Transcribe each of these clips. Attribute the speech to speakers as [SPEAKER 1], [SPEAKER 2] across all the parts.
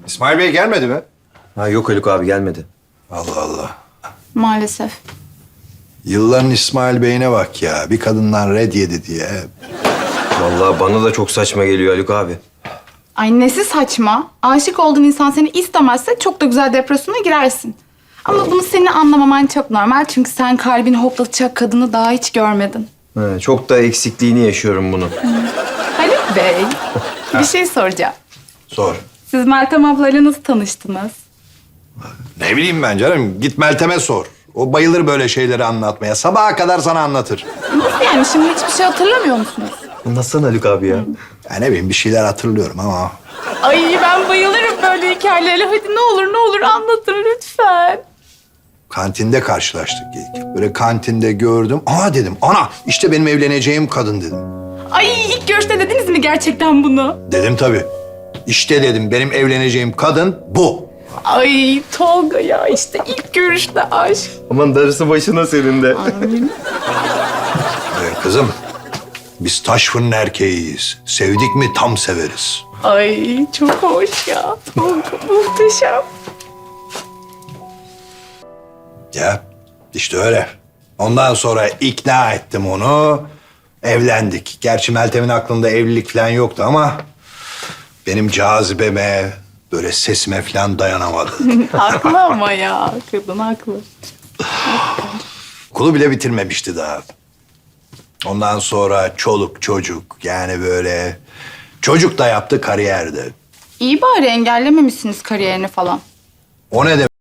[SPEAKER 1] İsmail Bey gelmedi mi?
[SPEAKER 2] Ha, yok Haluk abi gelmedi.
[SPEAKER 1] Allah Allah.
[SPEAKER 3] Maalesef.
[SPEAKER 1] Yılların İsmail Bey'ine bak ya. Bir kadından red yedi diye.
[SPEAKER 2] Vallahi bana da çok saçma geliyor Haluk abi.
[SPEAKER 3] Ay nesi saçma. Aşık olduğun insan seni istemezse çok da güzel depresyona girersin. Ama bunu senin anlamaman çok normal. Çünkü sen kalbini hoplatacak kadını daha hiç görmedin.
[SPEAKER 2] Çok da eksikliğini yaşıyorum bunu.
[SPEAKER 3] Haluk Bey, bir şey soracağım.
[SPEAKER 1] Sor.
[SPEAKER 3] Siz Meltem ablayla nasıl tanıştınız?
[SPEAKER 1] Ne bileyim ben canım. Git Meltem'e sor. O bayılır böyle şeyleri anlatmaya. Sabaha kadar sana anlatır.
[SPEAKER 3] Nasıl yani? Şimdi hiçbir şey hatırlamıyor musunuz?
[SPEAKER 2] Anlatsana Haluk abi ya.
[SPEAKER 1] Ya ne bileyim bir şeyler hatırlıyorum ama.
[SPEAKER 3] Ay ben bayılırım böyle hikayelere. Hadi ne olur anlatın lütfen.
[SPEAKER 1] Kantinde karşılaştık ilk. Böyle kantinde gördüm. Aa dedim. Ana işte benim evleneceğim kadın dedim.
[SPEAKER 3] Ay ilk görüşte dediniz mi gerçekten bunu?
[SPEAKER 1] Dedim tabii. İşte dedim benim evleneceğim kadın bu.
[SPEAKER 3] Ay Tolga ya işte ilk görüşte aşk.
[SPEAKER 2] Aman darısı başına senin de.
[SPEAKER 1] Kızım biz taş fırın erkeğiyiz. Sevdik mi tam severiz.
[SPEAKER 3] Ay çok hoş ya. Tolga muhteşem.
[SPEAKER 1] Ya işte öyle. Ondan sonra ikna ettim onu. Evlendik. Gerçi Meltem'in aklında evlilik falan yoktu ama benim cazibeme, böyle sesime falan dayanamadı.
[SPEAKER 3] Haklı ama ya. Kadın haklı.
[SPEAKER 1] Okulu bile bitirmemişti daha. Ondan sonra çoluk çocuk yani böyle çocuk da yaptı kariyerde.
[SPEAKER 3] İyi bari engellememişsiniz kariyerini falan.
[SPEAKER 1] O ne demek?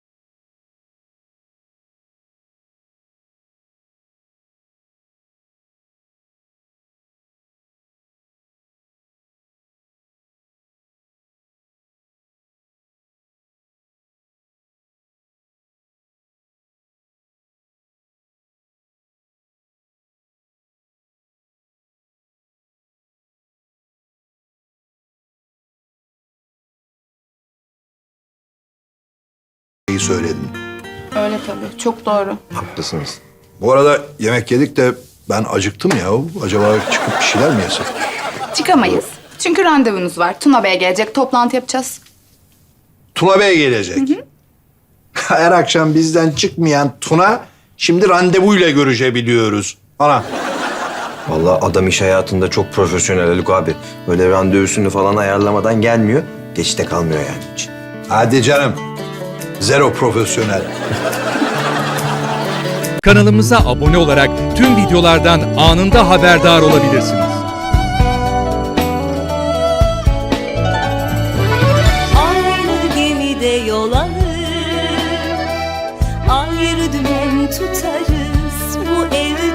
[SPEAKER 1] Söyledim.
[SPEAKER 3] Öyle tabii. Çok doğru.
[SPEAKER 2] Haklısınız.
[SPEAKER 1] Bu arada yemek yedik de ben acıktım ya. Acaba çıkıp bir şeyler mi yesek?
[SPEAKER 3] Çıkamayız. Çünkü randevunuz var. Tuna Bey gelecek. Toplantı yapacağız.
[SPEAKER 1] Tuna Bey gelecek. Her akşam bizden çıkmayan Tuna şimdi randevuyla görüşebiliyoruz. Ana.
[SPEAKER 2] Vallahi adam iş hayatında çok profesyonel Haluk abi. Böyle randevusunu falan ayarlamadan gelmiyor. Geçte kalmıyor yani hiç.
[SPEAKER 1] Hadi canım. Zero profesyonel.
[SPEAKER 4] Kanalımıza abone olarak tüm videolardan anında haberdar olabilirsiniz.
[SPEAKER 5] Aynı gemide yol alır, ayrı dümen tutarız. Bu evde